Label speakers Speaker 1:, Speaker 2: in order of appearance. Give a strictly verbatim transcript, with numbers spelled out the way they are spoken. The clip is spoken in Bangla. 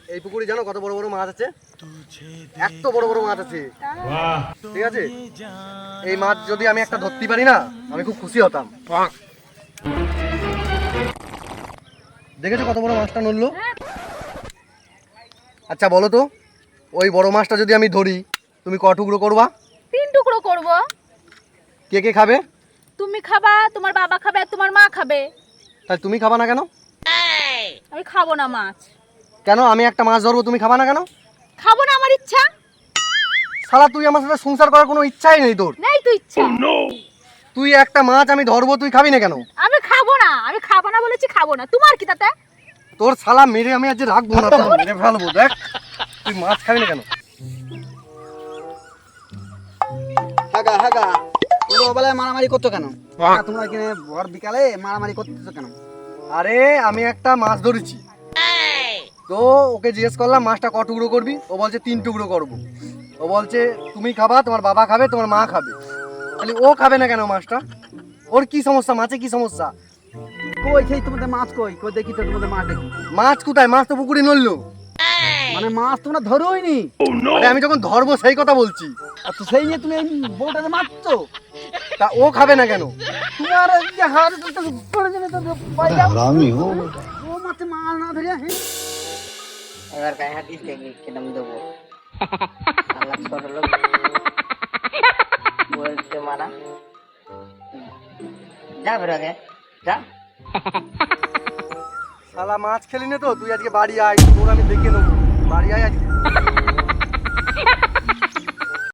Speaker 1: এই পুকুরে জানো কত বড় বড় মাছ আছে? এত বড় বড় মাছ আছে। ঠিক আছে, এই মাছ যদি আমি একটা ধরতে পারি না আমি খুব খুশি হতাম। দেখেছো কত বড় মাছটা নড়লো? আচ্ছা বলো তো, ওই বড় মাছটা যদি আমি ধরি তুমি ক টুকরো করবা?
Speaker 2: তিন টুকরো করব।
Speaker 1: কে কে খাবে?
Speaker 2: তুমি খাবা, তোমার বাবা খাবে, আর তোমার মা খাবে।
Speaker 1: তাই তুমি খাবা না কেন?
Speaker 2: আমি খাবো না মাছ।
Speaker 1: কেন? আমি একটা মাছ ধরবো তুমি খাবা না কেন?
Speaker 2: খাবো না, আমার ইচ্ছা
Speaker 1: শালা তুই আমার সাথে সংসার করার কোনো ইচ্ছাই নেই তোর।
Speaker 2: নেই। তুই ইচ্ছা
Speaker 1: তুই একটা মাছ আমি ধরবো তুই খাবি না কেন?
Speaker 2: আমি খাবো না, আমি খাবো না বলেছি, খাবো না। তোমার কি তাতে?
Speaker 1: তোর শালা মেরে আমি আজ রাখবো না, তোর মেরে ফেলবো। দেখ তুই মাছ খাবি না কেন?
Speaker 3: হাগা হাগা তোমরা ওবেলায় মারামারি করছো কেন? তোমরা এখানে ভর বিকালে মারামারি করতেছো কেন?
Speaker 1: আরে আমি একটা মাছ ধরেছি তো ওকে জিজ্ঞেস করলাম মাছটা ক টুকরো করবি, ও বলছে তিন টুকরো করবো। ও বলছে তুমি খাবা, তোমার বাবা খাবে, তোমার মা খাবে। তাহলে ও খাবে না কেন মাছটা? ওর কি সমস্যা? মাছে কি সমস্যা?
Speaker 3: কই সেই তোমাদের মাছ কই? কই দেখি তো তোমাদের মাছ দেখি।
Speaker 1: মাছ কোথায়? মাছ তো পুকুরে নড়লো।
Speaker 3: মানে মাছ তোমরা ধরোই নি?
Speaker 1: আরে আমি যখন ধরবো সেই কথা বলছি।
Speaker 3: আর তো সেই নিয়ে তুমি এই বউটাকে মারছো?
Speaker 1: তা ও খাবে না কেন?
Speaker 3: তোমার এই যে হাড় তো পড়ে যাবে তো পাই যাও। আমি ও ও মাছে মাছ না ধরিয়া হে
Speaker 4: এবার গায়ে হাত দিস দেখি কিরম দেবো। আল্লাহ ছোট লোক বলতে মারা যা বেরো আগে যা।
Speaker 1: শালা মাছ খেলি না তো তুই আজকে বাড়ি আয়, তোর আমি দেখে নেবো। বাড়ি আয় আজকে।